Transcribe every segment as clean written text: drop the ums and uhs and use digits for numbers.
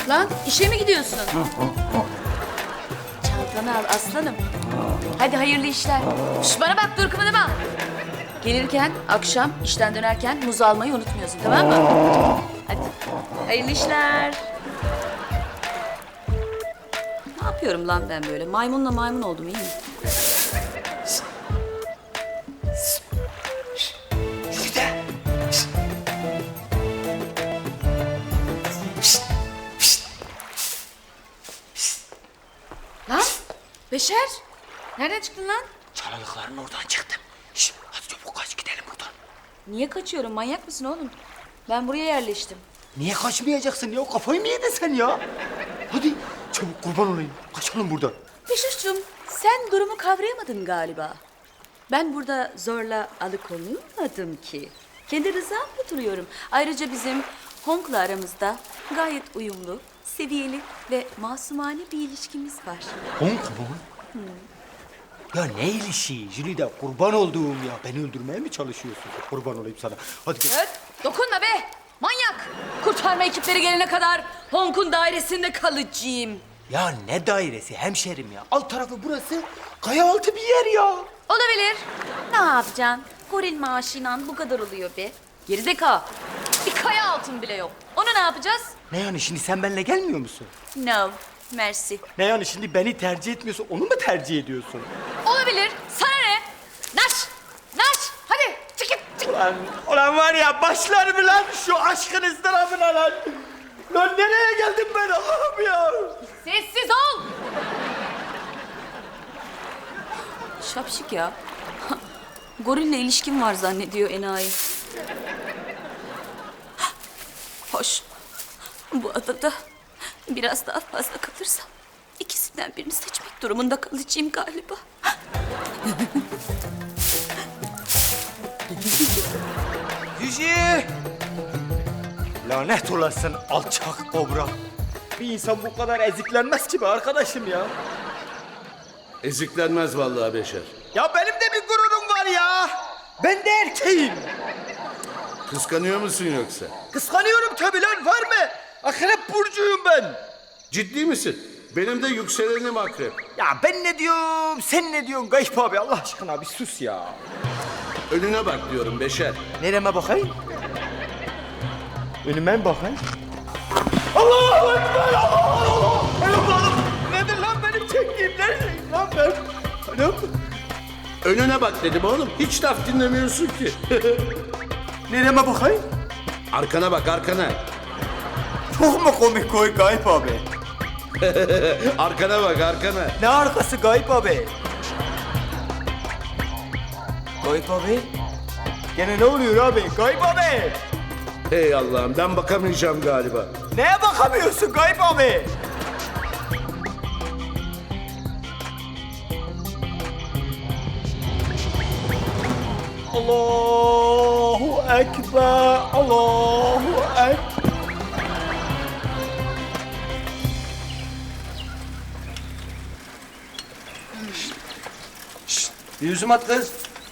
Lan işe mi gidiyorsun? Çantanı al aslanım. Hadi hayırlı işler. Şş, bana bak dur kımıldama. Gelirken akşam işten dönerken muz almayı unutmuyorsun tamam mı? Hadi hayırlı işler. Ne yapıyorum lan ben böyle? Maymunla maymun oldum iyi mi? Lan Beşer, nereden çıktın lan? Çalılıkların oradan çıktım. Şişt, hadi çabuk kaç gidelim buradan. Niye kaçıyorum? Manyak mısın oğlum? Ben buraya yerleştim. Niye kaçmayacaksın ya? Kafayı mı yedin sen ya? Hadi çabuk kurban olayım. Kaçalım buradan. Beşuş'cum, sen durumu kavrayamadın galiba. Ben burada zorla alıkonulmadım ki. Kendi rızamla duruyorum. Ayrıca bizim Hong'la aramızda gayet uyumlu, seviyeli ve masumane bir ilişkimiz var. Hong mu? Ya ne ilişiği? Jülide kurban olduğum ya. Beni öldürmeye mi çalışıyorsun? Kurban olayım sana. Hadi gel. Evet, dokunma be! Manyak! Kurtarma ekipleri gelene kadar Hong'un dairesinde kalacağım. Ya ne dairesi hemşerim ya. Alt tarafı burası. Kaya altı bir yer ya. Olabilir. Ne yapacaksın? Goril maaşıyla bu kadar oluyor be. Gerizekalı. Bir kaya altın bile yok. Onu ne yapacağız? Ne yani şimdi sen benimle gelmiyor musun? No, mercy. Ne yani şimdi beni tercih etmiyorsun, onu mu tercih ediyorsun? Olabilir. Sana ne? Naş! Naş! Hadi çık git, çık. Ulan var ya başlar mı lan şu aşkın ızdırabına lan? Lan nereye geldim ben Allah'ım ya? Sessiz ol! Şapşik ya. Gorille ilişkim var zannediyor enayi. Hoş. Bu adada biraz daha fazla kalırsam ikisinden birini seçmek durumunda kalacağım galiba. Yüce! Lanet olasın alçak kobra. Bir insan bu kadar eziklenmez ki be arkadaşım ya. Eziklenmez vallahi Beşer. Ya benim de bir gururum var ya. Ben de erkeğim. Kıskanıyor musun yoksa? Kıskanıyorum tabii lan var mı? Akrep burcuyum ben. Ciddi misin? Benim de yükselenim akrep. Ya ben ne diyorum, sen ne diyorsun Gayip abi Allah aşkına bir sus ya. Önüne bak diyorum Beşer. Nereme bakayım? Önüme mi bakayım? Allahu Ekber! Allah! Anam! Nedir lan benim çektiğim? Neredeyim lan ben? Anam! Önüne bak dedim oğlum. Hiç laf dinlemiyorsun ki. Nereme bakayım? Arkana bak arkana. Çok mu komik koy Gayip abi? Arkana bak arkana. Ne arkası Gayip abi? Gayip abi? Gene ne oluyor abi? Gayip abi! Hey Allah'ım ben bakamayacağım galiba. Neye bakamıyorsun Gayip abi? Allahu Ekber, Allahu Ekber. Bir yüzüm at kız.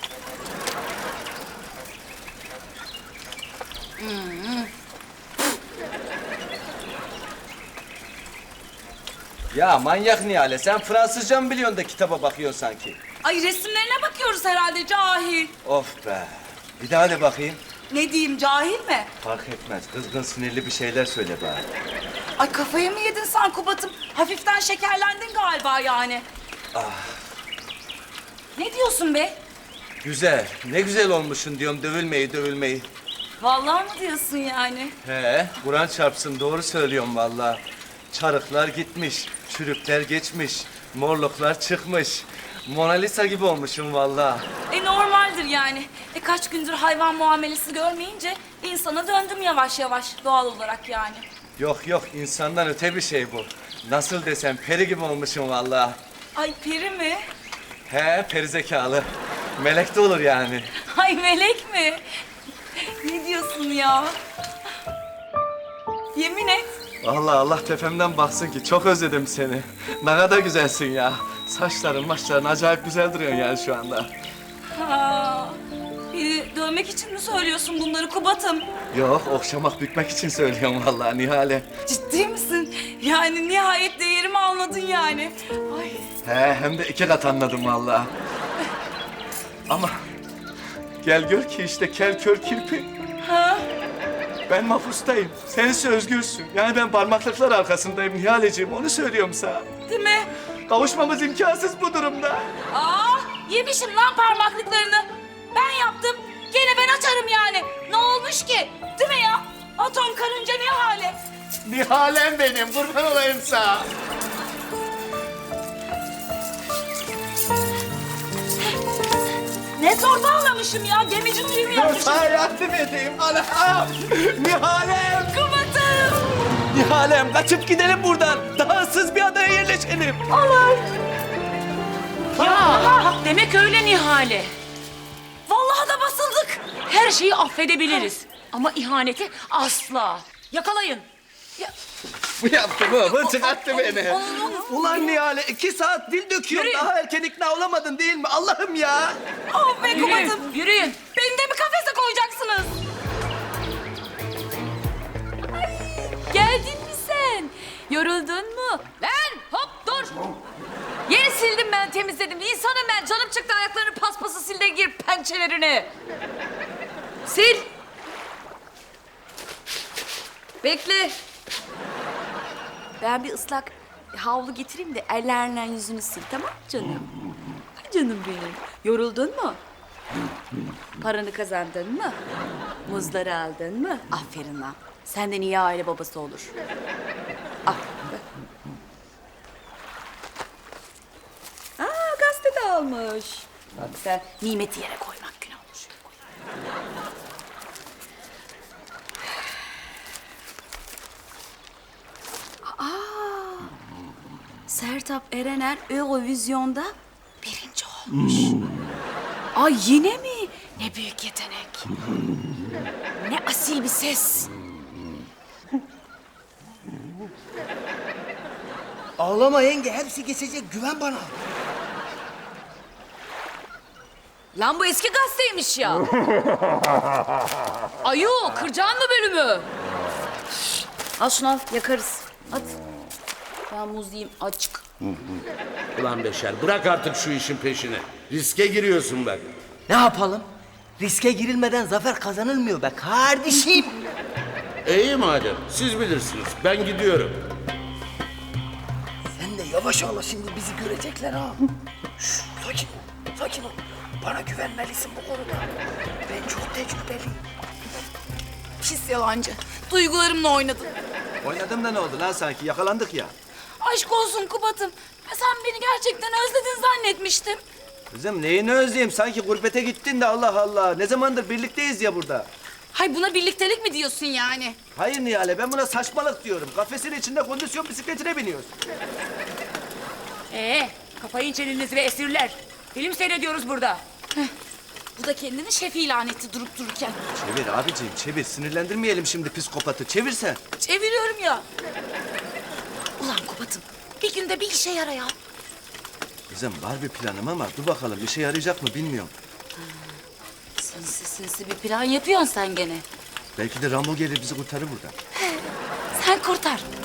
Ya manyak Nihale, sen Fransızca mı biliyorsun da kitaba bakıyorsun sanki? Ay resimlerine bakıyoruz herhalde cahil. Of be. Bir daha de bakayım. Ne diyeyim cahil mi? Fark etmez. Kızgın sinirli bir şeyler söyle bari. Ay kafayı mı yedin sen Kubat'ım? Hafiften şekerlendin galiba yani. Ne diyorsun be? Güzel. Ne güzel olmuşsun diyorum dövülmeyi. Vallahi mı diyorsun yani? He, Kur'an çarpsın doğru söylüyorum vallahi. Çarıklar gitmiş, çürükler geçmiş, morluklar çıkmış. Mona Lisa gibi olmuşum vallahi. Normaldir yani. Kaç gündür hayvan muamelesi görmeyince insana döndüm yavaş yavaş doğal olarak yani. Yok insandan öte bir şey bu. Nasıl desem peri gibi olmuşum vallahi. Ay peri mi? He, peri zekalı. Melek de olur yani. Ay melek mi? Ne diyorsun ya? Yemin et. Allah tepemden baksın ki çok özledim seni. Ne kadar güzelsin ya. Saçların maçların acayip güzel duruyorsun yani şu anda. Ha, Beni dövmek için mi söylüyorsun bunları Kubat'ım? Yok, okşamak bükmek için söylüyorum vallahi Nihale. Ciddi misin? Yani nihayet değerimi anladın yani. Ay. He, hem de 2 kat anladım vallahi. Ama gel gör ki işte kel kör kirpi. Ha? Ben mahpustayım. Sen ise özgürsün. Yani ben parmaklıklar arkasındayım Nihaleciğim. Onu söylüyorum sana. Değil mi? Kavuşmamız imkansız bu durumda. Aa, yemişim lan parmaklıklarını. Ben yaptım. Gene ben açarım yani. Ne olmuş ki? Değil mi ya? Atom karınca Nihale. Nihalem benim, kurban olayım sana. Ne torba anlamışım ya. Gemici düğümü yapmışım. Sana yardım edeyim anam. Nihalem. Kubat'ım. Nihalem kaçıp gidelim buradan. Daha ıssız bir adaya yerleşelim. Ya demek öyle Nihale. Vallahi da basıldık. Her şeyi affedebiliriz. Ama ihaneti asla. Yakalayın. Bu yaptı bu çıkarttı beni. Ulan Nihale 2 saat dil döküyorum. Yürü. Daha erken ikna olamadın değil mi? Allah'ım ya. Oh be Kubat'ım. Yürüyün, yürüyün. Beni de mi kafese koyacaksınız? Geldin mi sen? Yoruldun mu? Lan hop dur. Yeri sildim ben, temizledim. İnsanım ben. Canım çıktı, ayaklarını paspası sil de gir pençelerini. Sil. Bekle. Ben bir ıslak havlu getireyim de ellerle yüzünü sil, tamam mı canım? Ay canım benim. Yoruldun mu? Paranı kazandın mı? Muzları aldın mı? Aferin lan. Senden iyi aile babası olur. Al. Aa, gazete de almış. Bak sen nimeti yere koymak günah olmuş. Sertab Erener Eurovizyon'da 1. olmuş. Ay yine mi? Ne büyük yetenek. Ne asil bir ses. Ağlama yenge, hepsi geçecek. Güven bana. Lan bu eski gazeteymiş ya. Ayu, kıracağın mı bölümü? Al şunu al, yakarız. At. Ben muz yiyeyim, açık. Ulan Beşer, bırak artık şu işin peşini. Riske giriyorsun bak. Ne yapalım? Riske girilmeden zafer kazanılmıyor be kardeşim. İyi madem, siz bilirsiniz. Ben gidiyorum. Sen de yavaş ağla, şimdi bizi görecekler ha. Şş, sakin ol, sakin ol. Bana güvenmelisin bu konuda. Ben çok tecrübeliyim. Pis yalancı. Duygularımla oynadın. Oynadım da ne oldu lan sanki? Yakalandık ya. Aşk olsun Kubat'ım. Sen beni gerçekten özledin zannetmiştim. Kızım neyini özleyeyim? Sanki gurbete gittin de Allah Allah. Ne zamandır birlikteyiz ya burada. Hay buna birliktelik mi diyorsun yani? Hayır Nihale, ben buna saçmalık diyorum. Kafesin içinde kondisyon bisikletine biniyoruz. Kapayın çenenizi ve esirler. Film seyrediyoruz burada. Bu da kendini şef ilan etti durup dururken. Çevir abiciğim, çevir. Sinirlendirmeyelim şimdi psikopatı. Çevirsen. Çeviriyorum ya. Ulan Kubat'ım bir günde bir işe yara ya. Kızım var bir planım ama dur bakalım işe yarayacak mı bilmiyorum. Sinsi bir plan yapıyorsun sen gene. Belki de Rambo gelir bizi kurtarır buradan. Sen kurtar.